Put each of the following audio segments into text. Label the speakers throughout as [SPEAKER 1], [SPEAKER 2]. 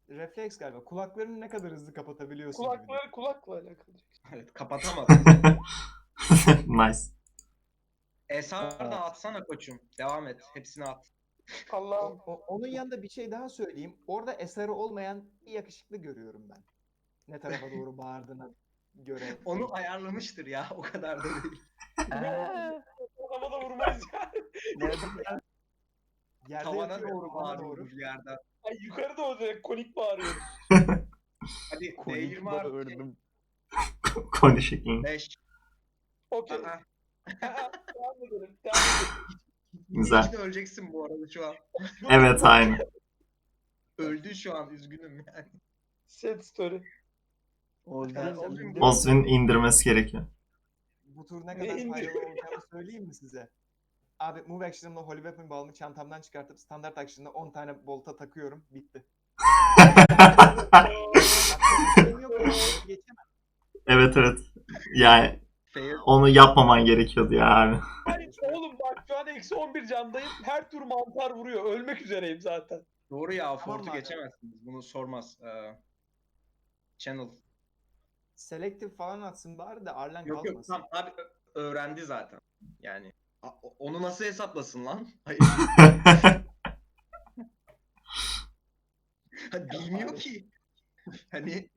[SPEAKER 1] refleks galiba. Kulaklarını ne kadar hızlı kapatabiliyorsun gibi.
[SPEAKER 2] Kulakları kulakla alakalı.
[SPEAKER 3] Evet, kapatamaz.
[SPEAKER 4] Nice.
[SPEAKER 3] Esar da atsana koçum. Devam et. Hepsini at.
[SPEAKER 2] Allah'ım.
[SPEAKER 1] Onun yanında bir şey daha söyleyeyim. Orada eseri olmayan bir yakışıklı görüyorum ben. Ne tarafa doğru bağırdığına göre.
[SPEAKER 3] Onu ayarlamıştır ya. O kadar da değil.
[SPEAKER 2] Havada vurmayız yani.
[SPEAKER 1] Yerde
[SPEAKER 3] Tavana
[SPEAKER 1] yatıyor
[SPEAKER 3] doğru
[SPEAKER 1] bana doğru.
[SPEAKER 3] bağırıyoruz yerden.
[SPEAKER 2] Ay yukarıda o direkt konik bağırıyoruz.
[SPEAKER 3] Hadi
[SPEAKER 5] Konik
[SPEAKER 3] D20 artı
[SPEAKER 5] bağırdım.
[SPEAKER 4] Konuşayım.
[SPEAKER 3] 5.
[SPEAKER 2] Okey.
[SPEAKER 3] Aa,
[SPEAKER 2] Devam edelim. Devam edelim.
[SPEAKER 4] Güzel.
[SPEAKER 3] İçinde öleceksin bu arada şu an.
[SPEAKER 4] Evet aynı.
[SPEAKER 3] Öldün şu an, üzgünüm yani.
[SPEAKER 2] Sad story.
[SPEAKER 4] Oswin indirmesi gerekiyor.
[SPEAKER 1] Bu tur ne
[SPEAKER 2] Ne
[SPEAKER 1] kadar
[SPEAKER 2] indi?
[SPEAKER 1] faydalı olacağını söyleyeyim mi size? Abi move action'ımla Holy Weapon balımı çantamdan çıkartıp standart action'da 10 tane bolta takıyorum. Bitti. Şeyim yok, geçemem.
[SPEAKER 4] Evet evet. Yani
[SPEAKER 3] Fail.
[SPEAKER 4] onu yapmaman gerekiyordu yani.
[SPEAKER 2] Hayır oğlum bak şu an eksi 11 candayım. Her tur mantar vuruyor. Ölmek üzereyim zaten.
[SPEAKER 3] Doğru ya,
[SPEAKER 1] Tamam
[SPEAKER 3] Fort'u
[SPEAKER 1] abi.
[SPEAKER 3] geçemezsiniz. Bunu sormaz. Channel.
[SPEAKER 1] Selective falan atsın bari de Arlen
[SPEAKER 3] Yok
[SPEAKER 1] kalmasın.
[SPEAKER 3] tamam abi, öğrendi zaten. Yani onu nasıl hesaplasın lan? Hayır. Ha, bilmiyor ki. Hani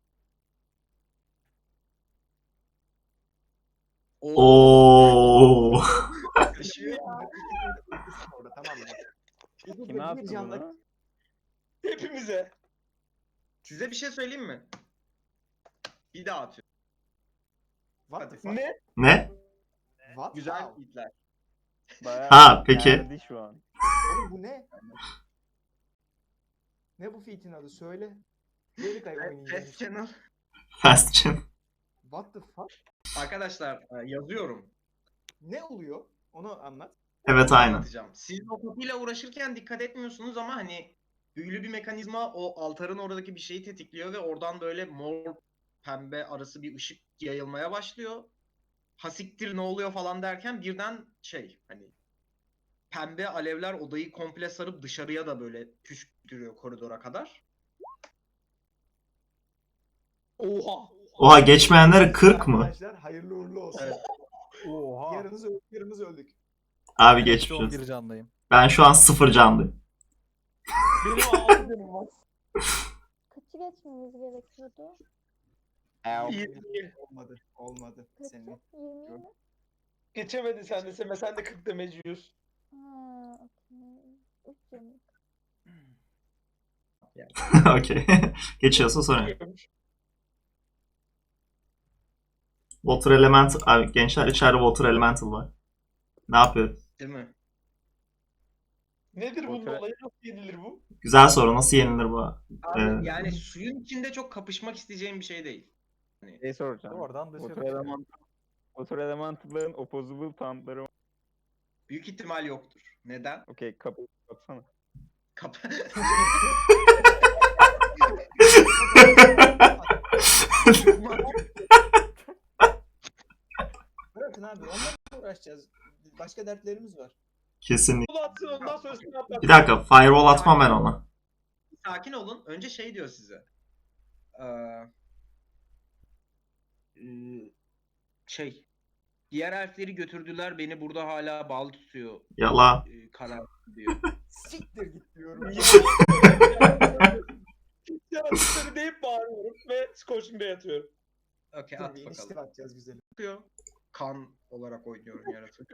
[SPEAKER 4] Oo.
[SPEAKER 3] taşıyor.
[SPEAKER 1] Orada, tamam mı?
[SPEAKER 5] Kime attı
[SPEAKER 1] Bir canda-
[SPEAKER 5] bunu?
[SPEAKER 2] Hepimize.
[SPEAKER 3] Size bir şey söyleyeyim mi? Bir daha atıyorum.
[SPEAKER 1] What the fuck?
[SPEAKER 2] Ne?
[SPEAKER 4] Ne?
[SPEAKER 1] What?
[SPEAKER 3] Güzel
[SPEAKER 1] How?
[SPEAKER 3] hitler.
[SPEAKER 5] Bayağı
[SPEAKER 4] Ha, peki.
[SPEAKER 5] geldi şu an.
[SPEAKER 1] Oğlum bu ne? Ne bu feat'in adı? Söyle. Delikay oynayacağım.
[SPEAKER 3] Test channel.
[SPEAKER 4] Fast Chin.
[SPEAKER 1] What the fuck?
[SPEAKER 3] Arkadaşlar yazıyorum.
[SPEAKER 1] Ne oluyor? Onu anlat.
[SPEAKER 4] Evet aynı.
[SPEAKER 3] Anlatacağım. Siz o kapıyla uğraşırken dikkat etmiyorsunuz ama hani büyülü bir mekanizma o altarın oradaki bir şeyi tetikliyor ve oradan böyle mor pembe arası bir ışık yayılmaya başlıyor. Hasiktir ne oluyor falan derken birden hani pembe alevler odayı komple sarıp dışarıya da böyle püskürtüyor koridora kadar.
[SPEAKER 2] Oha.
[SPEAKER 4] Oha geçmeyenlere 40 mı?
[SPEAKER 1] Arkadaşlar hayırlı uğurlu olsun.
[SPEAKER 3] Evet.
[SPEAKER 5] Oha.
[SPEAKER 1] Yarınız öldük.
[SPEAKER 4] Abi
[SPEAKER 6] Ben
[SPEAKER 4] geçmiş
[SPEAKER 6] eksi 11
[SPEAKER 4] olsun.
[SPEAKER 6] candayım.
[SPEAKER 4] Ben şu an 0 candayım.
[SPEAKER 2] Benim 6 canım var.
[SPEAKER 7] Kaçı geçmemiz gerekiyordu?
[SPEAKER 1] Olmadı. Olmadı.
[SPEAKER 7] Kaçı?
[SPEAKER 1] Senin.
[SPEAKER 7] 20 mi?
[SPEAKER 2] Geçemedi sen de Seme. Sen de 40 damage yiyorsun.
[SPEAKER 7] Ha, okey. 3 canım.
[SPEAKER 4] Okey. Geçiyorsa sonra. Water Elemental. Abi gençler içeride Water Elemental var. Ne yapıyor?
[SPEAKER 3] Değil mi?
[SPEAKER 2] Nedir bunun
[SPEAKER 5] Otur-
[SPEAKER 2] olayı? Nasıl yenilir bu?
[SPEAKER 4] Güzel soru. Nasıl yenilir bu?
[SPEAKER 3] Abi, yani suyun içinde çok kapışmak isteyeceğim bir şey değil.
[SPEAKER 5] Şey soracağım.
[SPEAKER 6] Oradan dışarı
[SPEAKER 5] Otur
[SPEAKER 6] çıkıyor.
[SPEAKER 5] elemental. Otur elemental'ların opposable tauntları var.
[SPEAKER 3] Büyük ihtimal yoktur. Neden?
[SPEAKER 5] Okey kapı kapatsana.
[SPEAKER 3] Kap
[SPEAKER 1] Bırakın abi. Onlarla uğraşacağız. Başka dertlerimiz var.
[SPEAKER 4] Kesinlikle.
[SPEAKER 2] Bunu atsın ondan sonrasını yapar.
[SPEAKER 4] Bir dakika. Firewall atmam ben ona.
[SPEAKER 3] Sakin olun. Önce diyor size. Diğer elfleri götürdüler, beni burada hala bağlı tutuyor.
[SPEAKER 4] Yala.
[SPEAKER 3] Karar diyor.
[SPEAKER 1] Siktir git diyorum.
[SPEAKER 2] Yaratıkları deyip bağırıyorum ve Scorching Bay atıyorum.
[SPEAKER 3] Okey,
[SPEAKER 1] Dur
[SPEAKER 3] at
[SPEAKER 1] bir inisiyatif
[SPEAKER 3] bakalım.
[SPEAKER 1] atacağız güzelim.
[SPEAKER 3] Diyor. Kan olarak oynuyorum yaratık.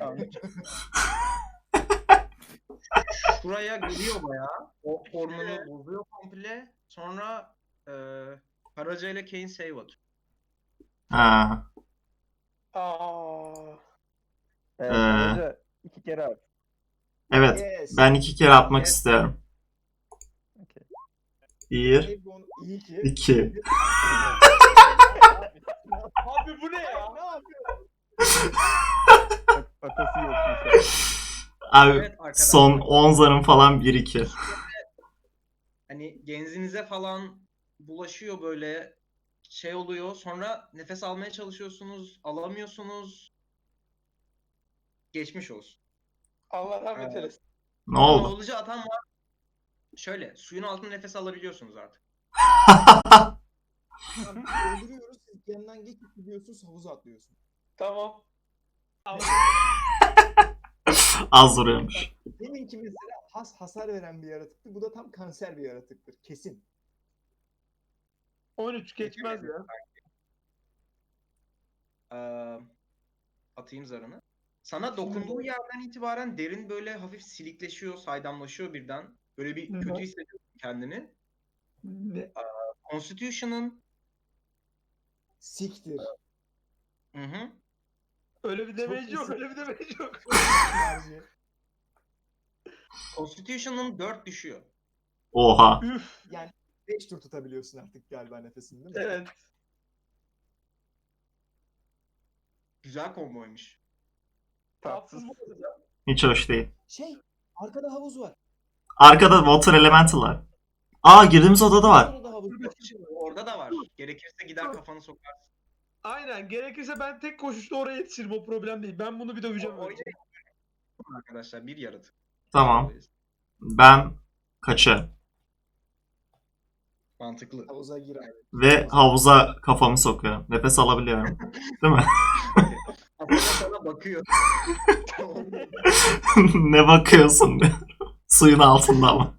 [SPEAKER 3] Şuraya geliyor bayağı. O formunu bozuyor komple. Sonra Karaca ile Kane save atıyor.
[SPEAKER 4] Ha.
[SPEAKER 2] Aa.
[SPEAKER 5] Sadece 2 kere at.
[SPEAKER 4] Evet.
[SPEAKER 1] Yes.
[SPEAKER 4] Ben 2 kere atmak
[SPEAKER 3] Yes.
[SPEAKER 4] istiyorum.
[SPEAKER 5] Okey.
[SPEAKER 4] 1,
[SPEAKER 1] İyi ki.
[SPEAKER 4] 2.
[SPEAKER 2] Abi bu ne ya?
[SPEAKER 1] Ne yapıyorsun?
[SPEAKER 5] Atası yokmuş.
[SPEAKER 4] Abi
[SPEAKER 3] Evet arkadaşlar.
[SPEAKER 4] son 10 zarım falan 1-2.
[SPEAKER 3] Hani genzinize falan bulaşıyor, böyle oluyor. Sonra nefes almaya çalışıyorsunuz, alamıyorsunuz. Geçmiş olsun.
[SPEAKER 2] Allah rahmet eylesin.
[SPEAKER 4] Ne oldu?
[SPEAKER 3] Noğlucu atan var. Şöyle suyun altında nefes alabiliyorsunuz artık.
[SPEAKER 1] Tamam, öldürüyoruz. Siz yanından geçip gidiyorsunuz, havuza atlıyorsun.
[SPEAKER 2] Tamam.
[SPEAKER 4] Az vuruyormuş.
[SPEAKER 1] Deminki mesela hasar veren bir yaratıktı. Bu da tam kanser bir yaratıktır. Kesin.
[SPEAKER 2] 13 geçmez ya.
[SPEAKER 3] Ee, atayım zarını. Sana dokunduğu yerden itibaren derin böyle hafif silikleşiyor, saydamlaşıyor birden. Böyle bir
[SPEAKER 2] Hı hı.
[SPEAKER 3] kötü hissediyorsun kendini.
[SPEAKER 2] Ne?
[SPEAKER 3] Constitution'ın
[SPEAKER 1] Siktir.
[SPEAKER 3] hı.
[SPEAKER 2] Öyle bir damage
[SPEAKER 1] Çok
[SPEAKER 2] yok,
[SPEAKER 1] iyisin.
[SPEAKER 2] öyle bir damage yok.
[SPEAKER 1] Enerji.
[SPEAKER 3] Constitution'ın 4 düşüyor.
[SPEAKER 4] Oha.
[SPEAKER 2] Üf.
[SPEAKER 1] Yani 5 tur tutabiliyorsun artık galiba nefesini, değil mi?
[SPEAKER 2] Evet.
[SPEAKER 3] Güzel komboymuş.
[SPEAKER 2] Tatsız bu arada.
[SPEAKER 4] Hiç hoş değil.
[SPEAKER 1] Şey, arkada havuz var.
[SPEAKER 4] Arkada Water Elemental var. Aa, girdiğimiz odada var.
[SPEAKER 1] Orada havuz var.
[SPEAKER 3] Orada da var. Gerekirse gider kafanı sokarsın.
[SPEAKER 2] Aynen. Gerekirse ben tek koşuşta oraya yetişirim. O problem değil. Ben bunu bir döveceğim önce.
[SPEAKER 3] Oynayın arkadaşlar, bir yaratık.
[SPEAKER 4] Tamam. Ben kaçarım.
[SPEAKER 3] Mantıklı.
[SPEAKER 1] Havuza gir abi.
[SPEAKER 4] Ve havuza kafamı sokuyorum. Nefes alabiliyorum. Değil mi?
[SPEAKER 3] Aslında sana bakıyor.
[SPEAKER 4] Ne bakıyorsun diyor. Suyun altında ama.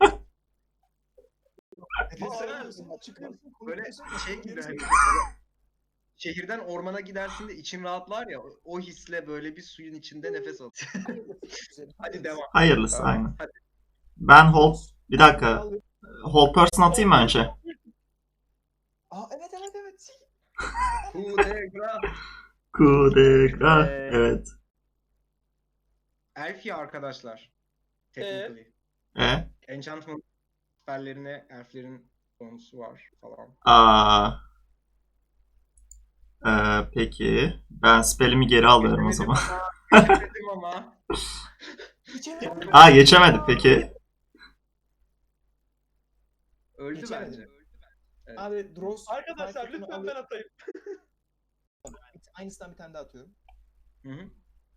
[SPEAKER 1] Nefes
[SPEAKER 2] Aa,
[SPEAKER 1] alıyorsun, çıkıyorsun,
[SPEAKER 3] Böyle
[SPEAKER 1] konuşuyorsun,
[SPEAKER 3] şey gibi
[SPEAKER 1] geri
[SPEAKER 3] hani,
[SPEAKER 1] sokuyorsun.
[SPEAKER 3] şehirden ormana gidersin de için rahatlar ya, o hisle böyle bir suyun içinde nefes al.
[SPEAKER 1] Güzel.
[SPEAKER 3] Hadi devam.
[SPEAKER 4] Hayırlısı
[SPEAKER 3] Tamam,
[SPEAKER 4] aynen.
[SPEAKER 3] hadi.
[SPEAKER 4] Ben hold... Bir dakika. Hold person atayım mı önce?
[SPEAKER 1] Aa, evet evet evet.
[SPEAKER 3] Kudegra.
[SPEAKER 4] Kudegra. Evet.
[SPEAKER 3] Elfya arkadaşlar. Technically. Enchantment spelllerine elflerin konusu var falan.
[SPEAKER 4] Peki. Ben spellimi geri alıyorum o zaman.
[SPEAKER 3] Geçemedim ama.
[SPEAKER 1] Geçemedim.
[SPEAKER 4] Aa, geçemedim peki.
[SPEAKER 3] Öldü
[SPEAKER 1] Geçemedim.
[SPEAKER 3] bence. Evet.
[SPEAKER 1] Abi Dross
[SPEAKER 2] Arkadaşlar
[SPEAKER 1] farketini
[SPEAKER 2] lütfen
[SPEAKER 1] alıp-
[SPEAKER 2] ben atayım.
[SPEAKER 1] Aynısından bir tane daha atıyorum.
[SPEAKER 3] Hı hı.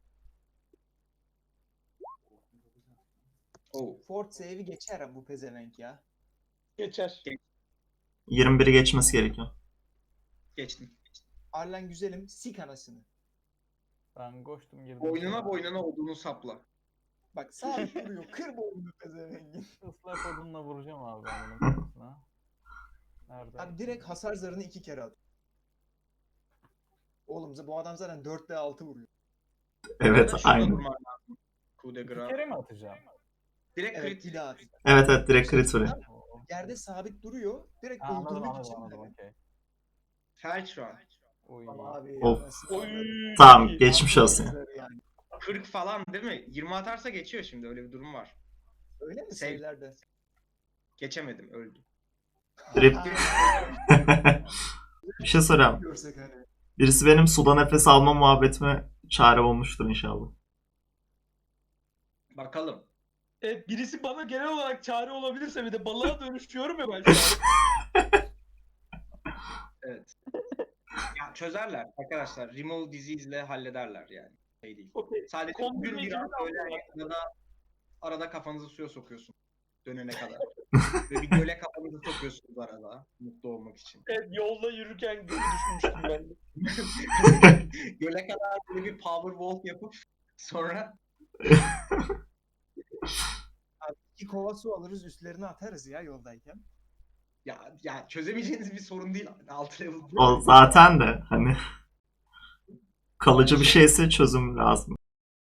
[SPEAKER 3] Oh.
[SPEAKER 1] Fort save'i geçer ama bu pezevenk ya.
[SPEAKER 2] Geçer.
[SPEAKER 4] 21'i geçmesi gerekiyor.
[SPEAKER 3] Geçtim.
[SPEAKER 1] Arlen güzelim, sik anasını.
[SPEAKER 5] Ben koştum girdim.
[SPEAKER 3] Boynuna odunu sapla.
[SPEAKER 1] Bak sabit duruyor, kır boynunu pezevengin.
[SPEAKER 5] Islak odunla vuracağım abi ben bunun kafasına. Nerede?
[SPEAKER 1] Abi direkt hasar zarını 2 kere at. Oğlum bu adam zaten 4'te 6 vuruyor.
[SPEAKER 4] Evet,
[SPEAKER 3] Şurada
[SPEAKER 4] aynen.
[SPEAKER 3] durman lazım. Coup de
[SPEAKER 5] İki
[SPEAKER 3] grace.
[SPEAKER 5] kere mi atacağım?
[SPEAKER 3] Direkt
[SPEAKER 1] Evet
[SPEAKER 3] crit.
[SPEAKER 1] bir daha at.
[SPEAKER 4] Evet evet, direkt crit vuruyor.
[SPEAKER 5] Oo.
[SPEAKER 1] Yerde sabit duruyor. Direkt
[SPEAKER 5] Ha, anladım
[SPEAKER 1] öldürmek
[SPEAKER 5] anladım
[SPEAKER 1] için
[SPEAKER 5] anladım
[SPEAKER 1] dedim.
[SPEAKER 5] okey.
[SPEAKER 3] Felch run.
[SPEAKER 5] Uy.
[SPEAKER 1] Ama abi
[SPEAKER 4] Of.
[SPEAKER 1] anasını
[SPEAKER 2] Oy.
[SPEAKER 1] avradım.
[SPEAKER 4] Tamam,
[SPEAKER 2] çok iyi.
[SPEAKER 4] geçmiş olsun ya.
[SPEAKER 1] Zarı yani.
[SPEAKER 3] 40 falan değil mi? 20 atarsa geçiyor şimdi, öyle bir durum var.
[SPEAKER 1] Öyle mi
[SPEAKER 3] Save.
[SPEAKER 1] save'lerde?
[SPEAKER 3] Geçemedim, öldü.
[SPEAKER 4] Drip. Bir şey soracağım.
[SPEAKER 1] Görsek hani.
[SPEAKER 4] Birisi benim suda nefes alma muhabbetime çare olmuştur inşallah.
[SPEAKER 3] Bakalım.
[SPEAKER 2] Evet, birisi bana genel olarak çare olabilirse, bir de balığa dönüşüyorum ya ben şu an.
[SPEAKER 3] Evet. Ya çözerler arkadaşlar. Remove disease ile hallederler yani. Şey değil.
[SPEAKER 2] Okey.
[SPEAKER 3] Sadece
[SPEAKER 2] Kombinle
[SPEAKER 3] bugün biraz
[SPEAKER 2] ikimiz
[SPEAKER 3] böyle
[SPEAKER 2] aldılar.
[SPEAKER 3] arada kafanızı suya sokuyorsun. Dönene kadar. Ve bir göle kafanızı sokuyorsunuz arada. Mutlu olmak için.
[SPEAKER 2] Evet, yolda yürürken gibi düşünmüştüm ben de.
[SPEAKER 3] Göle kadar böyle bir power walk yapıp sonra
[SPEAKER 1] Abi 2 kova su alırız üstlerine atarız ya yoldayken.
[SPEAKER 3] ya çözemeyeceğiniz bir sorun değil. 6 level.
[SPEAKER 4] O zaten de hani kalıcı bir şeyse çözüm lazım.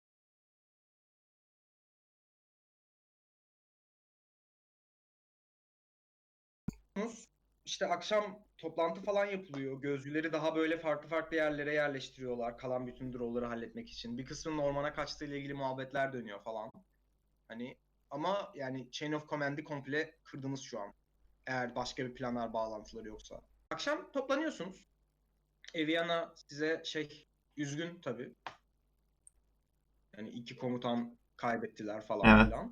[SPEAKER 3] İşte akşam toplantı falan yapılıyor. Gözcüleri daha böyle farklı farklı yerlere yerleştiriyorlar. Kalan bütün draw'ları halletmek için. Bir kısmının ormana kaçtığıyla ilgili muhabbetler dönüyor falan. Hani ama yani Chain of Command'i komple kırdınız şu an. Eğer başka bir planlar, bağlantıları yoksa. Akşam toplanıyorsunuz. Eviana size üzgün tabii. Yani 2 komutan kaybettiler falan
[SPEAKER 4] Evet.
[SPEAKER 3] filan.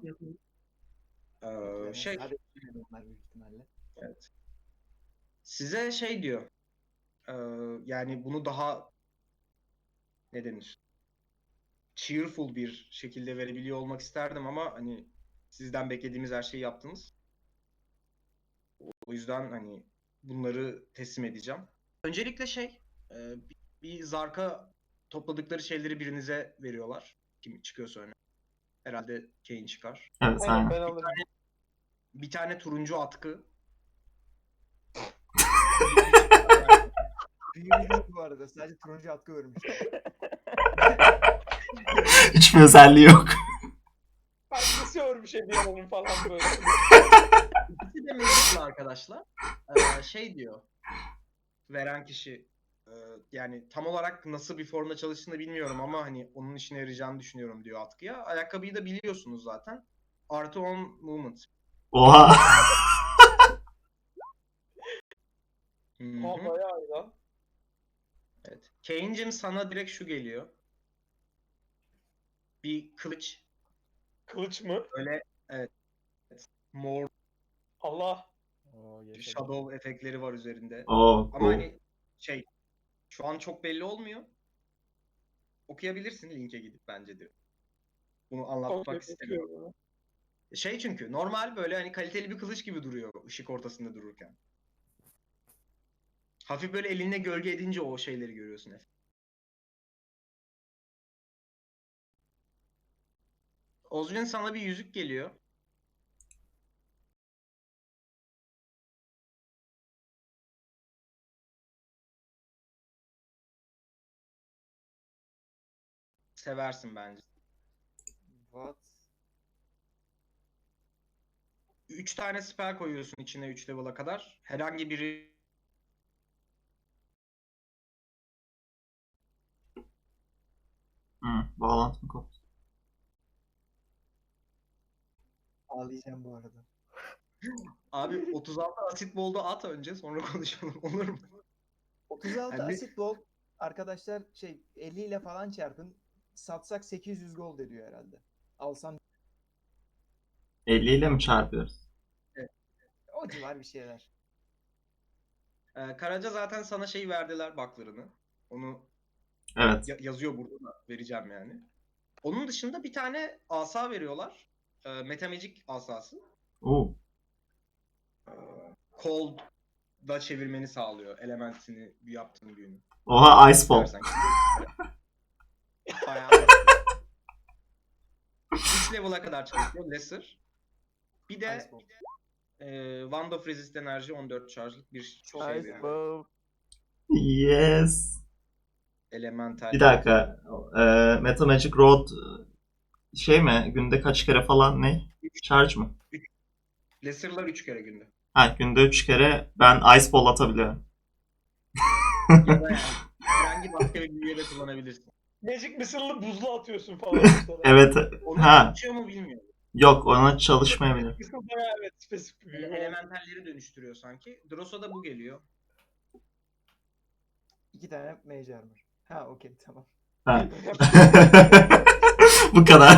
[SPEAKER 1] Abi onlar büyük ihtimalle.
[SPEAKER 3] Evet. Size diyor. Yani bunu daha ne denir? Cheerful bir şekilde verebiliyor olmak isterdim ama hani sizden beklediğimiz her şeyi yaptınız. O yüzden hani bunları teslim edeceğim. Öncelikle bir zarka topladıkları şeyleri birinize veriyorlar. Kim çıkıyorsa öne. Herhalde Kane çıkar.
[SPEAKER 4] Evet
[SPEAKER 2] Aynen
[SPEAKER 4] aynen.
[SPEAKER 2] ben alırım.
[SPEAKER 3] Bir tane turuncu atkı.
[SPEAKER 1] Büyümüş yok bu arada. Sadece turuncu atkı örmüşler.
[SPEAKER 4] Hiçbir özelliği yok.
[SPEAKER 2] Hangisi örmüş Ebiyana'nın falan böyle.
[SPEAKER 3] İkisi de mevcutlu arkadaşlar. Diyor. Veren kişi yani tam olarak nasıl bir formda çalıştığını bilmiyorum ama hani onun işine yarayacağını düşünüyorum diyor atkıya. Ayakkabıyı da biliyorsunuz zaten. Artı 10 movement.
[SPEAKER 4] Oha.
[SPEAKER 3] Hı
[SPEAKER 2] Ha
[SPEAKER 3] hı.
[SPEAKER 2] bayağı iyi lan.
[SPEAKER 3] Evet. Kane'cim sana direkt şu geliyor. Bir kılıç.
[SPEAKER 2] Kılıç mı?
[SPEAKER 3] Böyle evet. Mor
[SPEAKER 2] Allah.
[SPEAKER 5] Oo, yaşadım.
[SPEAKER 3] shadow efektleri var üzerinde.
[SPEAKER 4] Oo,
[SPEAKER 3] Ama
[SPEAKER 4] cool.
[SPEAKER 3] hani şu an çok belli olmuyor. Okuyabilirsin linke gidip bence diyor. Bunu anlatmak
[SPEAKER 2] Okey,
[SPEAKER 3] istemiyorum.
[SPEAKER 2] bakıyorum.
[SPEAKER 3] Çünkü normal böyle hani kaliteli bir kılıç gibi duruyor ışık ortasında dururken. Hafif böyle elinle gölge edince o şeyleri görüyorsun hep. Ozwin sana bir yüzük geliyor. Seversin bence.
[SPEAKER 1] What?
[SPEAKER 3] 3 tane spell koyuyorsun içine 3 level'a kadar. Herhangi biri
[SPEAKER 4] Bağlantı mı koptu?
[SPEAKER 1] Ağlayacağım bu arada.
[SPEAKER 3] abi 36 asit bolda at önce sonra konuşalım olur mu?
[SPEAKER 1] 36
[SPEAKER 3] Yani-
[SPEAKER 1] asit bol arkadaşlar 50 ile falan çarpın. Satsak 800 gold ediyor herhalde. Alsam
[SPEAKER 4] 50 ile mi çarpıyoruz?
[SPEAKER 1] o civar bir şeyler.
[SPEAKER 3] Karaca zaten sana verdiler baklarını. Onu
[SPEAKER 4] Evet.
[SPEAKER 3] yazıyor burada da vereceğim yani. Onun dışında bir tane asa veriyorlar. Metamagic asası.
[SPEAKER 4] Oo.
[SPEAKER 3] Cold da çevirmeni sağlıyor. Elementini yaptığın büyünü.
[SPEAKER 4] Oha, Ice Ball.
[SPEAKER 3] İstersen. Bayağı 3 level'a kadar çalışıyor Lesser. Bir de
[SPEAKER 1] Ice ball.
[SPEAKER 3] Wand of Resist enerji 14 charge'lık bir
[SPEAKER 1] Çok
[SPEAKER 3] şey
[SPEAKER 5] Ice
[SPEAKER 3] veriyor.
[SPEAKER 5] Ball.
[SPEAKER 4] Yes.
[SPEAKER 3] Elemental.
[SPEAKER 4] Bir dakika. Metamagic Road mi? Günde kaç kere falan ne? Charge mı?
[SPEAKER 3] Lesser'lar 3 kere günde.
[SPEAKER 4] Ha, günde 3 kere ben Ice Ball atabiliyorum.
[SPEAKER 3] Ya da yani herhangi başka bir büyüye de kullanabilirsin.
[SPEAKER 2] Magic Missile'lı buzlu atıyorsun falan mesela.
[SPEAKER 4] Evet.
[SPEAKER 3] Onu
[SPEAKER 4] Ha.
[SPEAKER 3] açıyor mu bilmiyorum.
[SPEAKER 4] Yok, ona çalışmayabilir.
[SPEAKER 2] Missile bayağı evet spesifik bir büyü.
[SPEAKER 3] Elementalleri dönüştürüyor sanki. Dross'a bu geliyor.
[SPEAKER 1] 2 tane mage armor. Ha okey tamam.
[SPEAKER 4] Ha. Bu kadar.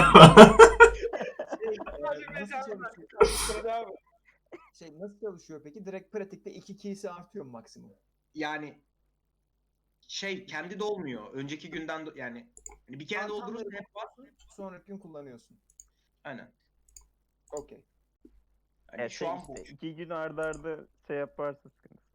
[SPEAKER 2] Sadece
[SPEAKER 1] Nasıl
[SPEAKER 2] mecaz
[SPEAKER 1] çalışıyor?
[SPEAKER 2] Devam et.
[SPEAKER 1] Nasıl çalışıyor peki? Direkt pratikte 2 key'si artıyor mu maksimum?
[SPEAKER 3] Yani kendi dolmuyor. Önceki günden yani hani bir kere
[SPEAKER 1] Tam
[SPEAKER 3] doldurursun
[SPEAKER 1] böyle
[SPEAKER 3] hep var.
[SPEAKER 1] sonraki gün kullanıyorsun.
[SPEAKER 3] Aynen.
[SPEAKER 1] Okey.
[SPEAKER 3] Hani
[SPEAKER 5] Evet,
[SPEAKER 3] şu an bu.
[SPEAKER 5] işte 2 gün arda arda yaparsa sıkıntı.